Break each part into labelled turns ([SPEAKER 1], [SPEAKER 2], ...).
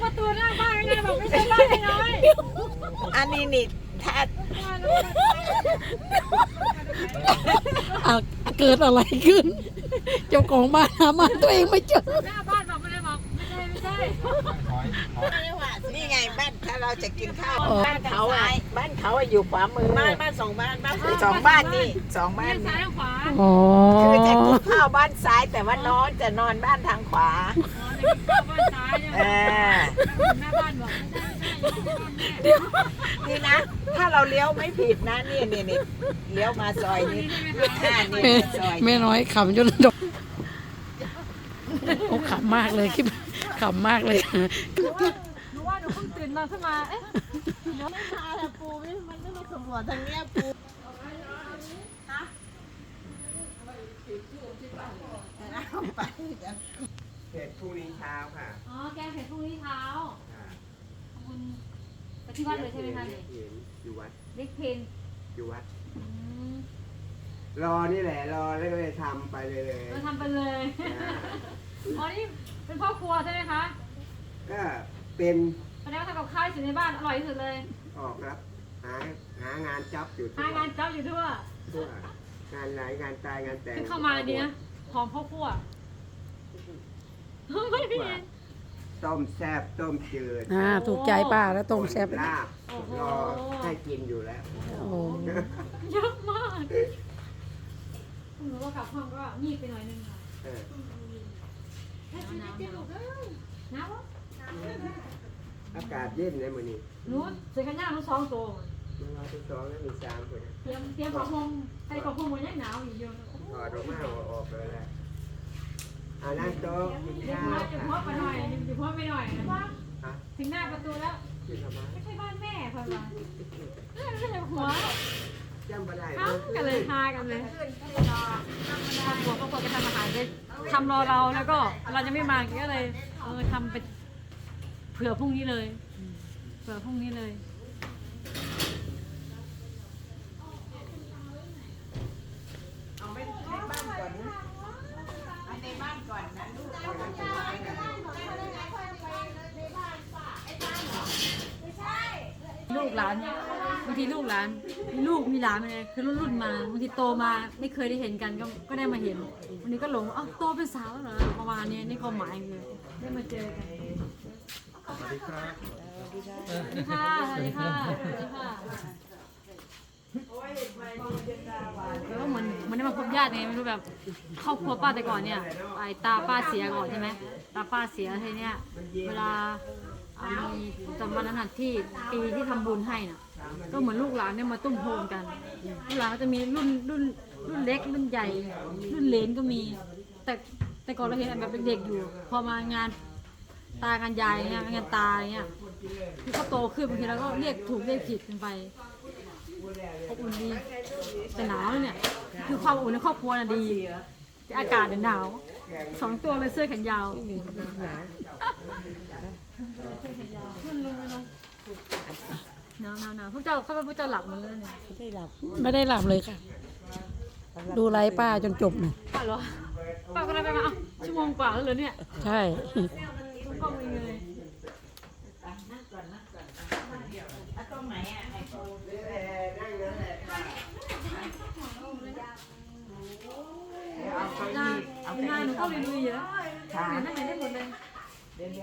[SPEAKER 1] ประตูหน้าบ้านไงบอกไม่ใช่บ้านน้อย
[SPEAKER 2] อันนี้นี่ถ้า
[SPEAKER 3] เกิดอะไรขึ้น เจ้าของบ้านหาบ้านตัวเองไม่เจอ
[SPEAKER 1] หน้าบ้านบอกไม่ได้บอกไม่ใช่
[SPEAKER 2] นี่ไงบ้านถ้าเราจะกินข้าวบ้านเขาอะอยู่ขวามือบ้านสองบ้านสองบ้านนี่สองบ้าน
[SPEAKER 1] ซ้าย
[SPEAKER 2] นี่
[SPEAKER 1] ขวา
[SPEAKER 3] อ๋อ
[SPEAKER 2] คือจะกินข้าวบ้านซ้ายแต่ว่านอนจะนอนบ้านทางขวา
[SPEAKER 1] บ้านซ้ายเนี่ย
[SPEAKER 2] เออ
[SPEAKER 1] หน้าบ้านบอกไม่ใช่
[SPEAKER 2] นี่นะ ถ้าเราเลี้ยวไม่ผิดนะนี่เลี้ยวมาซอยนี้นี่ซอย
[SPEAKER 3] แม่น้อยขำจนดกโอ้ขำมากเลยคิดขำมากเลย
[SPEAKER 1] หนูว่าหนูเพิ่งตื่นมาขึ้นมาเอ๊ะ
[SPEAKER 2] ไม่มาแต่ปูมันไม่มาสำรวจทางเนี้ยปูเสร็จพรุ่งนี้เช้าค่ะ
[SPEAKER 1] อ๋อแกงเผ็ดพรุ่งนี้เช้าคุณไปที่วัดเลยใช่ไหมคะเนี่ย
[SPEAKER 4] อยู่วัด
[SPEAKER 1] เล็กเพน
[SPEAKER 4] อยู่วัด
[SPEAKER 1] อืม
[SPEAKER 4] รอนี่แหละรอแล้วก็เลยทำไปเลย
[SPEAKER 1] เราทำไปเลยอ๋อนี่เป็นพ่อครัวใช่ไหมคะ
[SPEAKER 4] ก็เป็น
[SPEAKER 1] แสดงว่าทำกับข้าวที่สุดในบ้านอร่อยที่สุดเลย
[SPEAKER 4] ออกรับหางานจับอยู่
[SPEAKER 1] หางานจับอยู่ทั่ว
[SPEAKER 4] ทั่วงานไหนงานตายงานแต่ง
[SPEAKER 1] ขึ้นเข้ามาดีนะหอมข้าวคั่วไม่เห็น
[SPEAKER 4] ต้มแซ่บต้มจืด
[SPEAKER 3] ถูกใจป้าแล้วต้มแซ่บ
[SPEAKER 4] ลาบรอให้กินอยู่แล้ว
[SPEAKER 3] โอ้
[SPEAKER 1] เยอะมากหนูว่ากลับห้องก็งีบไปหน่อยนึงค่ะ
[SPEAKER 4] เออ
[SPEAKER 1] น้ำวะ
[SPEAKER 4] อากาศเย็นเลยมื้อนี้
[SPEAKER 1] หนูใส่ขันย่างหนู2 ตัว
[SPEAKER 4] มันรอทุกสองแล้วมี3คน
[SPEAKER 1] เตรียมผ้าห่มใส่ผ้าห่มมันยังหนาวอยู่เยอะ
[SPEAKER 4] ถอดออกมาออกเลยแหละเอานั่งโต๊ะกิน
[SPEAKER 1] เดี๋ยว
[SPEAKER 4] ข้าว
[SPEAKER 1] จะพบไปหน่อยเดี๋ยวพบไปหน่อยนะ
[SPEAKER 4] ฮะ
[SPEAKER 1] ถึงหน้าประตูแล้ว
[SPEAKER 4] กินทำไม
[SPEAKER 1] ไม่ใช่บ้านแม่ค่ะวะไม่ใช่หัว
[SPEAKER 4] จำไม่ได้
[SPEAKER 1] เอ้ากันเลยพากันเลยครอบครัวก็ทำอาหารได้ทำรอเราแล้วก็เราจะไม่มาก็เลยทำไปเผื่อพรุ่งนี้เลยเผื่อพรุ่งนี้เลย
[SPEAKER 2] เอาในบ้านก่อนนะเอาในบ้านก่อนนะลูก
[SPEAKER 1] ลูกหลานบางทีลูกหลานมีลูกมีหลานอะไรคือรุ่นมาบางทีโตมาไม่เคยได้เห็นกันก็ได้มาเห็นวันนี้ก็หลงอ้าวโตเป็นสาวแล้วเหรอประมาณนี้นี่ความหมายคือได้มาเจอกันสวัสดีค่ะสวัสดีค่ะสวัสดีค่ะแล้วก็เหมือนได้มาพบญาติไงไม่รู้แบบครอบครัวป้าแต่ก่อนเนี่ยไอ้ตาป้าเสียก่อนใช่ไหมตาป้าเสียทีเนี้ยเวลามีจำวันนั้นที่ปีที่ทำบุญให้น่ะก็เหมือนลูกหลานเนี่ยมาตุ้มโฮมกันลูกหลานก็จะมีรุ่นเล็กรุ่นใหญ่รุ่นเหลนก็มีแต่ก่อนเราเห็นแบบเด็กๆอยู่พอมางานตางานยายเนี่ยงานตาเนี่ยที่เขาโตขึ้นบางทีเราก็เรียกถูกเรียกผิดกันไปอบอุ่นดีแต่หนาวเนี่ยคือความอบอุ่นในครอบครัวน่ะดีแต่อากาศเนี่ยหนาว2 ตัวเลยเสื้อแขนยาวหนาวพวกเจ้าหลับมันเลยเนี่ย
[SPEAKER 3] ไม่ได้หลับเลยค่ะ ดูไลฟ์ป้าจนจบเนี่ย
[SPEAKER 1] ป้าเหรอป้าก็ได้ไปมาชั่วโมงกว่าแล้วเหรอเนี่ย
[SPEAKER 3] ใช่
[SPEAKER 1] ต้องกล้องเองเลย
[SPEAKER 2] ตรงไหนอ่ะไอ้ปู
[SPEAKER 4] นั่งนั่นแหละ
[SPEAKER 1] งานหนูเข้าเรียนลุยแล้วเรียนได้หมดเลย
[SPEAKER 2] เดี๋ยว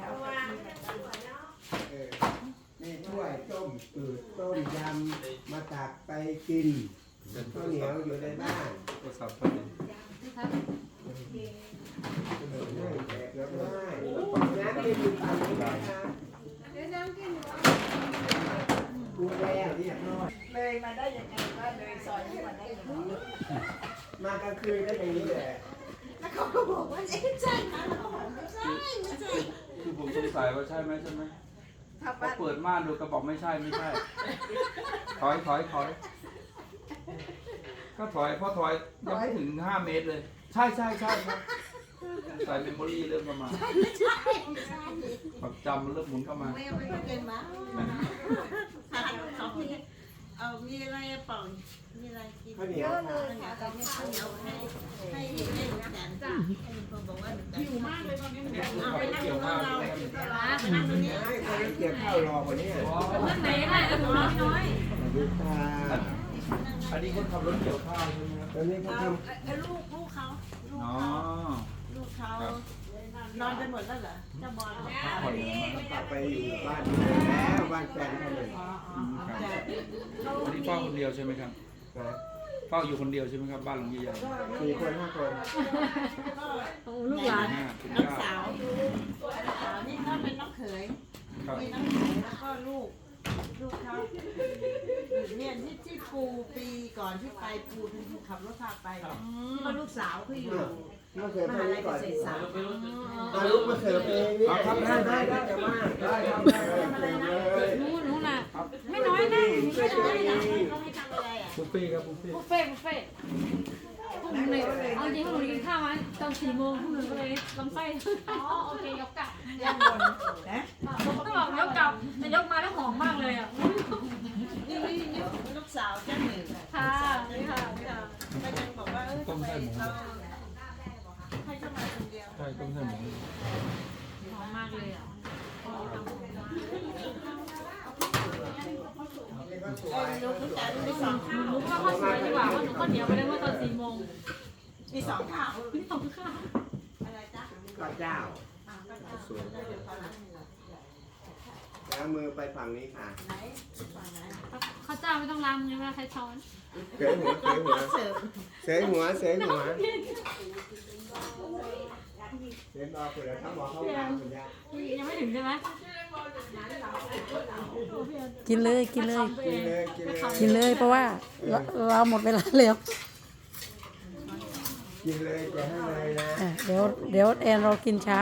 [SPEAKER 4] นี่ถ้วยต้มจืดต้มยำมาตักไปกินข้าวเหนียวอยู่ในบ้านนั่งแจกแล้วได้น้ำกินอยู่ฝั่งนี้นะครับกูแล้วเรียบร้อย
[SPEAKER 2] เลยมาได้ยังไงว่าเลยซอยนี้มาได้ยังไง
[SPEAKER 4] มากลางคืนก็อย่างนี้แหละ
[SPEAKER 2] แล้วเขาก็บอกว่าใช่นะเราบอกไม่ใช่
[SPEAKER 5] คือผมสงสัยว่าใช่ไหม
[SPEAKER 2] ถ้า
[SPEAKER 5] พอ
[SPEAKER 2] บ้าน
[SPEAKER 5] เปิดม่านดูกระบอกไม่ใช่ถอยก็ถอยพอถอยยังไม่ถึง5 เมตรเลย ใช่ครับใส่เมมโมรี่เริ่มเข้ามาความจำเริ่มหมุนเข้ามา
[SPEAKER 2] ไม่เอาไปเกินมาเขามีอะไรเปล่ามีอะไรกิน
[SPEAKER 4] ข้าวเหนียวค่ะ
[SPEAKER 2] ข้าวเหนียวให้แสนจ้ะให้คนบอกว่าหิวมากเลยตอนนี้เอาไปนั่งตรงเราไปนั่งตรงนี้
[SPEAKER 4] เกี่ยวข้าวรอวันนี้
[SPEAKER 1] เรื่องไหนได้แล้วหนูน้อยน้อย
[SPEAKER 4] ดูตา
[SPEAKER 5] อันนี้คนขับรถเกี่ยวข้าวใช่ไหมครับ
[SPEAKER 4] ตอนนี้เขาท
[SPEAKER 2] ลูกเขา
[SPEAKER 5] อ๋อ
[SPEAKER 2] ลูกเขานอนกันหมดแล้วเหรอเจ้าบอล
[SPEAKER 5] พักผ่อนกันมา
[SPEAKER 4] ำกลับไปอยู่บ้านแล้วบ้านแฟนเขาเลย
[SPEAKER 5] ครับอันนี้เฝ้าคนเดียวใช่ไหมครับ
[SPEAKER 4] นะ
[SPEAKER 5] เฝ้าอยู่คนเดียวใช่ไหมครับบ้านหลังใหญ่
[SPEAKER 4] 4 คน 5 คน
[SPEAKER 1] โอ้ลูกหลาน
[SPEAKER 5] ๆคุณ
[SPEAKER 2] น้อง
[SPEAKER 5] ย่า
[SPEAKER 2] สาวนี่เขาเป็นน้องเขย
[SPEAKER 5] ครับ
[SPEAKER 2] มีน้องเขยแล้วก็ลูกเขาเนี่ยที่ปูปีก่อนที่ไปปูเป็นผู้ขับรถพาไปที่ว่าลูกสาวเขาอยู่
[SPEAKER 4] มาเสิร์ฟ
[SPEAKER 2] ม
[SPEAKER 4] ให้
[SPEAKER 2] หาลัย
[SPEAKER 4] ก่
[SPEAKER 2] เก
[SPEAKER 4] อน
[SPEAKER 2] ษตรศาสตร์
[SPEAKER 4] เอาลูกมาเสิร์ฟเองนี่ได้จะมาได้ครับเลย
[SPEAKER 1] หนูน่ะไม่น้อยแน่ไม่น้อยนะ
[SPEAKER 2] เขาให้ทำอะไรอ่ะ
[SPEAKER 5] บุฟเฟ่ต์ครับบุฟเฟ่ต์
[SPEAKER 1] บุฟเฟ่ต์พวกหนูเลยเอาจริงพวกหนูกินข้าวมาตอน4 โมงพวกหนูก็เลยลำไส้อ๋อโอเคยกกลับ
[SPEAKER 2] ย่างบนนะ
[SPEAKER 1] ต้องบอกยกกลับแต่ยกมาแล้วหอมมากเลยอ่ะ
[SPEAKER 2] นี่ลูกสาวเจ้าหนึ่ง
[SPEAKER 1] ค่ะนี่ค่ะนี่ค่ะ
[SPEAKER 2] ก็ยังบอกว่าทำไมเราให้เข้ามาคนเดียว
[SPEAKER 5] ใช่ต้มใส่หมู
[SPEAKER 1] หอมมากเลยอ่ะ
[SPEAKER 2] ลูกแต่มีสองข้าว
[SPEAKER 1] หนูก็ข้าวสวยดีกว่าเพราะหนูข้าวเหนียวไปได้เมื่อตอน4 โมง
[SPEAKER 2] มีสองข้าว
[SPEAKER 1] นี่ของข้าว
[SPEAKER 2] อะไรจ๊ะ
[SPEAKER 4] ก็เจ้าแล้วมือไปฝั่งนี้ค่ะ
[SPEAKER 2] ไหนฝั่งไหน
[SPEAKER 1] ข้าวเจ้าไม่ต้องล้างมือเวลาใช้ช้อน
[SPEAKER 4] เสยหัวเสยหัว
[SPEAKER 2] เสิร์ฟ
[SPEAKER 4] เสยหัวเสยหัวเสยบอกคุณแล้วเขาบอกเขาวางคุณยา
[SPEAKER 1] ยังไม่ถึงใช่ไหม
[SPEAKER 3] กินเลยกินเลย
[SPEAKER 4] กินเลยกินเลย
[SPEAKER 3] กินเลยเพราะว่าเราหมดเวลาแล้ว
[SPEAKER 4] กินเลยจะให้เลยนะ
[SPEAKER 3] อ่ะเดี๋ยวแอนเรากินเช้า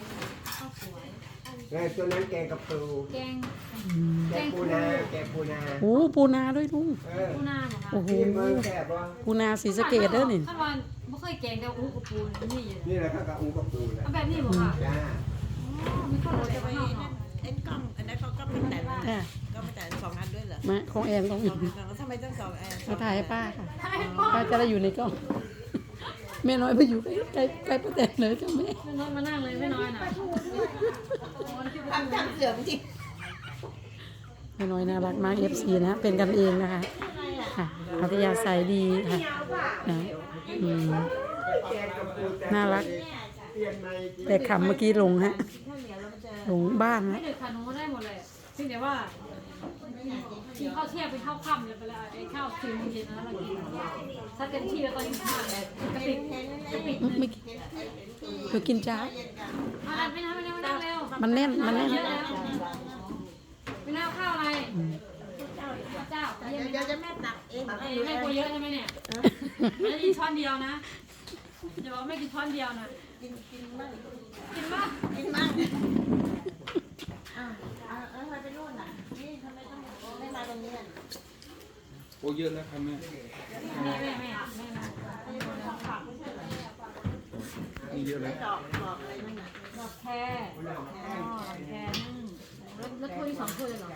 [SPEAKER 4] แล้วตัวนั้นแกงกับปู
[SPEAKER 1] แกง
[SPEAKER 4] แกงปูนาแกงปูนา
[SPEAKER 3] โอ้ปูนาด้วยลุง
[SPEAKER 1] ปูนาเหรอคะ
[SPEAKER 3] โอ้โห
[SPEAKER 4] ที่เมืองแซ่บวะ
[SPEAKER 3] ปูนาสีสะเกดเด้อนี่
[SPEAKER 1] ขั้นวันไม่เคยแกงแต่อู้กับปูนี่อยู่
[SPEAKER 4] นี่แหละข้าวกะอูกับปูแหละ
[SPEAKER 1] เอาแบบนี้บอกค่ะ
[SPEAKER 4] จ้า
[SPEAKER 1] มีข้าวโรย
[SPEAKER 2] จะ
[SPEAKER 1] แต่
[SPEAKER 2] ไป
[SPEAKER 1] ว่าข้าวหอม
[SPEAKER 2] เอ็นกล้องอันนั้นเขาก็เป็นแต่
[SPEAKER 3] ค่ะ
[SPEAKER 2] ก็เป็นแต่สองอันด้วยเหรอ
[SPEAKER 3] มาของแอนต้องอีก
[SPEAKER 2] ทำไมต้องสองอัน
[SPEAKER 3] มาถ่ายให้ป้าค่ะป้าจะได้อยู่ในกล้องแม่น้อยไปอยู่ใกล้ใกล้ป้าแตนเลยจ้ะแม่
[SPEAKER 1] ไม่น้อยมานั่งเลยไม่น้อยนะ
[SPEAKER 2] ทำเสื่อมจริง
[SPEAKER 3] แม่น้อยน่ารักมาก FC นะเป็นกันเองนะคะค่ะอัธยาศัยดีค่ะนะอืม
[SPEAKER 4] แกงกับปูแต่
[SPEAKER 3] น่ารัก
[SPEAKER 4] เปลี่ยนใหม่กิน
[SPEAKER 3] แต่ขำเมื่อกี้หลงฮะ
[SPEAKER 2] ข้าวเหนียวแล้วมันจะ
[SPEAKER 3] หลงบ้าน
[SPEAKER 1] ไม่
[SPEAKER 3] ฮะ
[SPEAKER 1] เด็ดขาดหนูได้หมดเลยซึ่งเดี๋ยวว่ากินข้าวเที่ยงเป็นข้าวค่ำเลยไปแล้วไอ้ข้าว4 โมงเย็นนะเรากินถ้าเต็มที่แล้วตอนนี้ข้าวกระติกกระติก
[SPEAKER 3] ไม่เดี๋ยวกินเช้า
[SPEAKER 1] มาไม่นั่งเร็ว
[SPEAKER 3] มันแน่นมันแน่น
[SPEAKER 1] เยอะแล้วไม่น่าข้าวอะไรเจ้า
[SPEAKER 2] เดี๋ยวจะแม่ตักเอง
[SPEAKER 1] แม่กลัวเยอะใช่ไหมเนี่ยไม่ได้กินช้อนเดียวนะเดี๋ยวไม่กินช้อนเดียวนะ
[SPEAKER 2] กินบ้าง
[SPEAKER 1] กินบ้าง
[SPEAKER 2] กินบ้างทำไมไปนู่นน่ะนี่ทำไมต้องไม่มาตรงนี้อ่ะ
[SPEAKER 5] โอ้เยอะแล้วครับแม่
[SPEAKER 1] แม่
[SPEAKER 5] นี่เยอะแล้ว
[SPEAKER 2] ดอกอะไรนั่นน่ะ
[SPEAKER 1] ดอกแคร์แคร์นึ่งแล้วถ้วย2 ถ้วยเลยเหรอ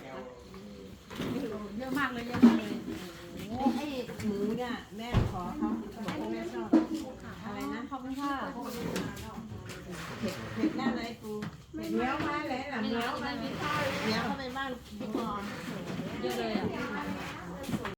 [SPEAKER 1] เยอะมากเลยเยอะมากเลย
[SPEAKER 2] ไอ้หมูเนี่ยแม่ขอเขาบอกว่าแม่ชอบอะไรนะ
[SPEAKER 1] ขอบคุณค่ะ
[SPEAKER 2] เผ็ดแน่เลยปูเผ็ดเนี้ยวมาเลยหลัง
[SPEAKER 1] ไม่
[SPEAKER 2] เนี้
[SPEAKER 1] แล้
[SPEAKER 2] ยว ว
[SPEAKER 1] ไม่มีข้าว
[SPEAKER 2] เนี้ยวเข้าไปบ้านพี่พร
[SPEAKER 1] เยอะเลยอ่ะ